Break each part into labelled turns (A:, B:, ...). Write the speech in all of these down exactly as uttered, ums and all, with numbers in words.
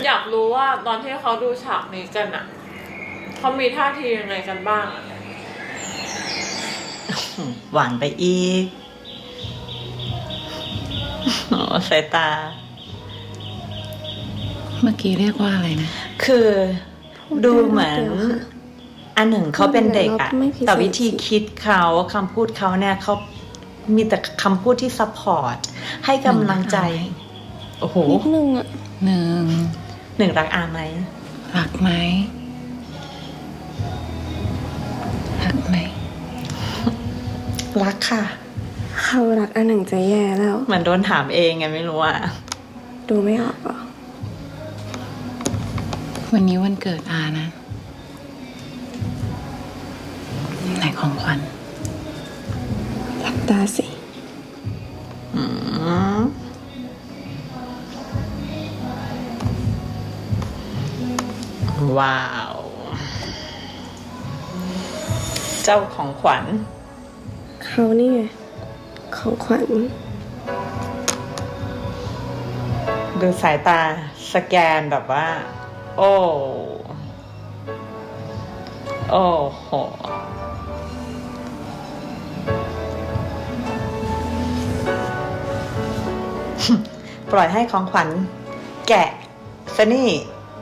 A: อยากรู้ว่าตอนที่เขาดูฉากนี้กันอ่ะเขามีท่าทียังไงกันบ้างอะ
B: หวานไปอีกโอ้สายตา
C: เมื่อกี้เรียกว่าอะไรนะ
B: คือดูเหมือนอันหนึ่งเขาเป็นเด็กอะแต่วิธีคิดเขาคำพูดเขาเนี่ยเขามีแต่คำพูดที่ซัพพอร์ตให้กำลังใจโอ้โห
D: นิดนึงอะ
C: หนึ่ง
B: หนึ่งรักอาไหม
C: รักไหมรักไหม
B: รักค่ะ
D: เขารักอันหนึ่งจะแย่แล้ว
B: เหมือนโดนถามเองไงไม่รู้อะ
D: ดูไม่ออกหรอ
C: วันนี้วันเกิดอานะไหนของขวัญ
D: หลับตาสิ
B: อืมว้าวเจ้าของขวัญ
D: เขานี่ไงของขวัญ
B: ดูสายตาสแกนแบบว่าโอ้โอ้โหปล่อยให้ของขวัญแกะซะนี่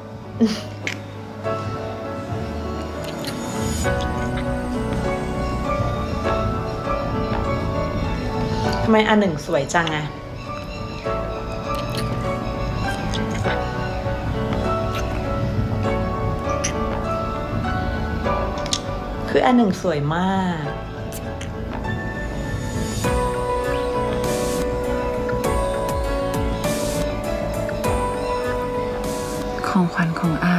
B: ทำไมอันหนึ่งสวยจังอะคืออันหนึ่งสวยมาก
C: ของขวัญของอา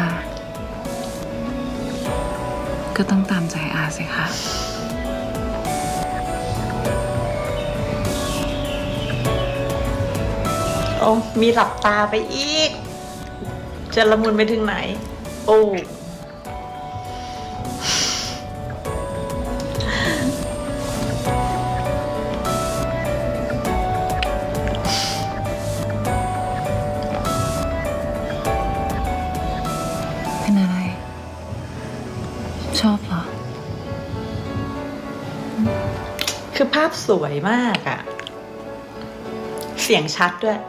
C: ก็ต้องตามใจอาสิคะ
B: โอ้มีหลับตาไปอีกจะละมุนไปถึงไหนโอ้
C: เป็นอะไรชอบเหรอ
B: คือภาพสวยมากอะเสียงชัดด้วย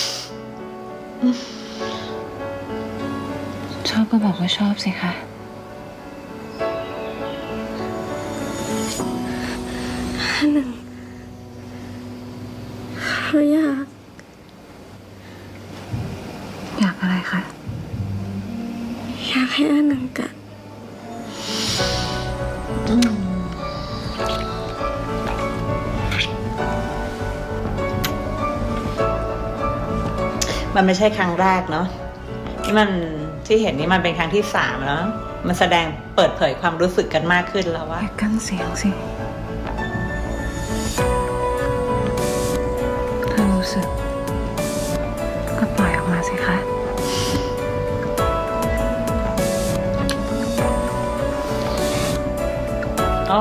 C: ชอบก็บอกว่าชอบสิคะ
D: หนึ่งเขาอยาก
C: อยากอะไรคะ
D: อยากให้อันหนึ่งกัด
B: มันไม่ใช่ครั้งแรกเนาะที่มันที่เห็นนี่มันเป็นครั้งที่สามแล้วมันแสดงเปิดเผยความรู้สึกกันมากขึ้นแล้วว่า
C: อย่ากั้นเสียงสิถ้ารู้สึกก็ปล่อยออกมาสิคะ
B: อ๋อ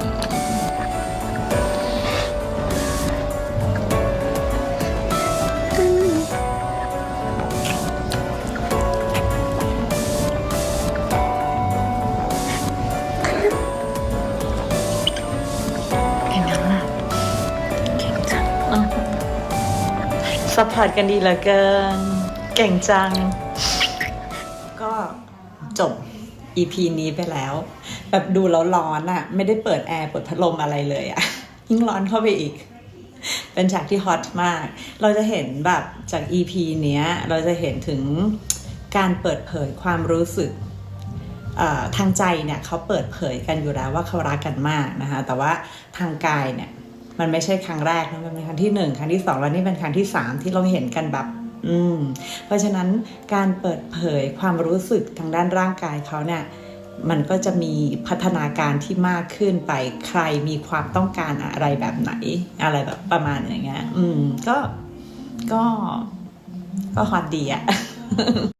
B: ซัพพอร์ตกันดีเหลือเกินเก่งจังก็จบ อี พี นี้ไปแล้วแบบดูแล้วร้อนอะไม่ได้เปิดแอร์เปิดพัดลมอะไรเลยอะยิ่งร้อนเข้าไปอีกเป็นฉากที่ฮอตมากเราจะเห็นแบบจาก อี พี เนี้ยเราจะเห็นถึงการเปิดเผยความรู้สึกทางใจเนี่ยเขาเปิดเผยกันอยู่แล้วว่าเขารักกันมากนะคะแต่ว่าทางกายเนี่ยมันไม่ใช่ครั้งแรกนะมันเป็นครั้งที่หนึ่งครั้งที่สองแล้วนี่เป็นครั้งที่สามที่เราเห็นกันแบบอืมเพราะฉะนั้นการเปิดเผยความรู้สึกทางด้านร่างกายเขาเนี่ยมันก็จะมีพัฒนาการที่มากขึ้นไปใครมีความต้องการอะไรแบบไหนอะไรแบบประมาณอย่างเงี้ยอืมก็ก็ก็ฮอตดีอะ